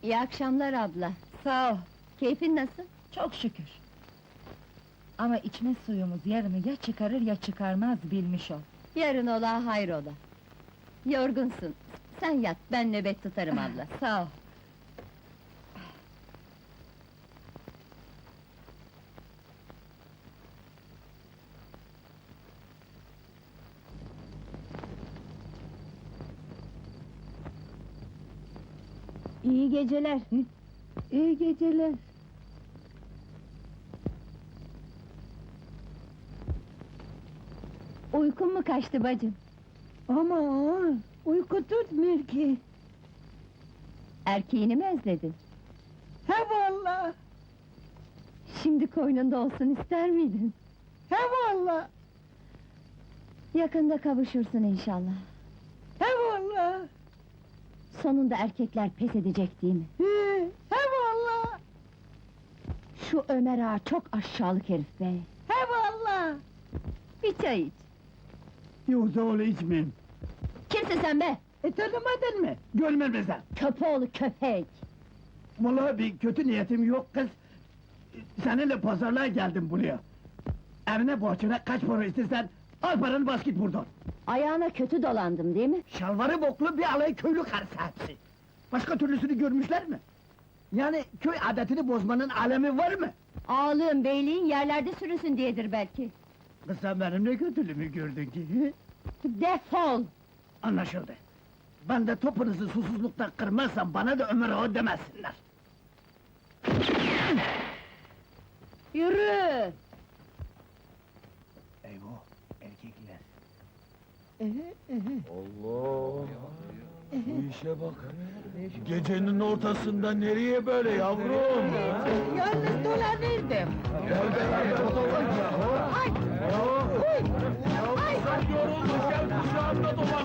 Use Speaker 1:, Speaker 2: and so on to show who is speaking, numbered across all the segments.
Speaker 1: İyi akşamlar abla.
Speaker 2: Sağ ol,
Speaker 1: Keyfin nasıl?
Speaker 2: çok şükür. Ama içme suyumuz yarını ya çıkarır ya çıkarmaz bilmiş ol.
Speaker 1: Yarın ola hayrola. Yorgunsun. Sen yat, ben nöbet tutarım abla.
Speaker 2: Sağ ol.
Speaker 1: İyi geceler.
Speaker 2: İyi geceler.
Speaker 1: Uykun mu kaçtı bacım?
Speaker 2: Aman, uyku tutmuyor ki.
Speaker 1: Erkeğini mi özledin?
Speaker 2: He valla,
Speaker 1: Şimdi koynunda olsun ister miydin?
Speaker 2: he valla,
Speaker 1: Yakında kavuşursun inşallah.
Speaker 2: he valla,
Speaker 1: Sonunda erkekler pes edecek değil mi?
Speaker 2: he valla,
Speaker 1: Şu Ömer ağa çok aşağılık herif be!
Speaker 2: he valla.
Speaker 1: Bir çay iç!
Speaker 3: Yoksa öyle içmeyeyim.
Speaker 1: Kimsin sen be?
Speaker 3: Tanımadın mı? Görmem sen.
Speaker 1: Köpoğlu köpek!
Speaker 3: Vallahi bir kötü niyetim yok kız. Seninle pazarlığa geldim buraya. Evine bahçene kaç para istersen, al paranı bas git buradan.
Speaker 1: Ayağına kötü dolandım değil mi?
Speaker 3: Şalvarı boklu bir alay köylü karısı hepsi. Başka türlüsünü görmüşler mi? Yani köy adetini bozmanın alemi var mı?
Speaker 1: Ağalığın, beyliğin yerlerde sürünsün diyedir belki.
Speaker 3: Kız sen benim ne kötülüğümü gördün ki? Hı?
Speaker 1: Defol!
Speaker 3: Anlaşıldı. Ben de topunuzu susuzlukta kırmazsam bana da Ömer Ağa demesinler.
Speaker 1: Yürü!
Speaker 3: Eyvah, erkekler.
Speaker 4: Allah! Bu işe bak! Gecenin ortasında nereye böyle yavrum?
Speaker 2: Yalnız dolanırdım.
Speaker 4: Gel beraber olalım ya!
Speaker 2: Ay!
Speaker 4: Ay! Sen yoruldun, gel kucağımda dolan!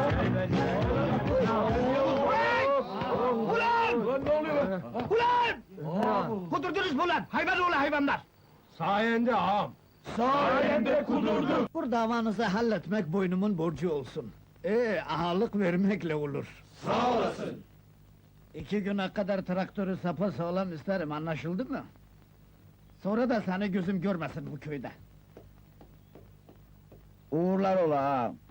Speaker 3: Ulan!
Speaker 4: Ulan ne oluyor?
Speaker 3: Ulan! Kudurdunuz mu ulan? Hayvan oğlu hayvanlar!
Speaker 4: Sayende ağam! Sayende kudurduk!
Speaker 3: Bu davanızı halletmek boynumun borcu olsun. Ağalık vermekle olur.
Speaker 4: Sağ olasın!
Speaker 3: 2 güne kadar traktörü sapasağlam isterim, anlaşıldı mı? Sonra da seni gözüm görmesin bu köyde. Uğurlar ola ağam.